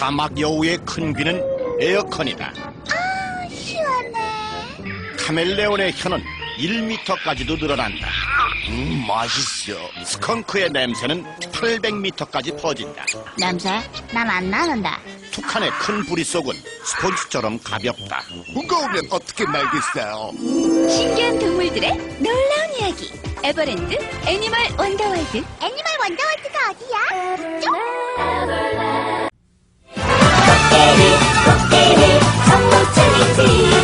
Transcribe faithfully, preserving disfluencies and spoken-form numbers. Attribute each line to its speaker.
Speaker 1: 사막 여우의 큰 귀는 에어컨이다.
Speaker 2: 아, 시원해.
Speaker 1: 카멜레온의 혀는 일 미터까지도 늘어난다. 음, 맛있어. 스컹크의 냄새는 팔백 미터까지 퍼진다.
Speaker 2: 냄새? 난 안 나는데.
Speaker 1: 투칸의 큰 부리속은 스폰지처럼 가볍다.
Speaker 3: 무거우면 어떻게 날겠어요?
Speaker 4: 신기한 동물들의 놀라운 이야기. 에버랜드 애니멀 원더월드.
Speaker 2: 애니멀 원더월드가 어디야? 이쪽?
Speaker 5: 코끼리 코끼리 성공체리티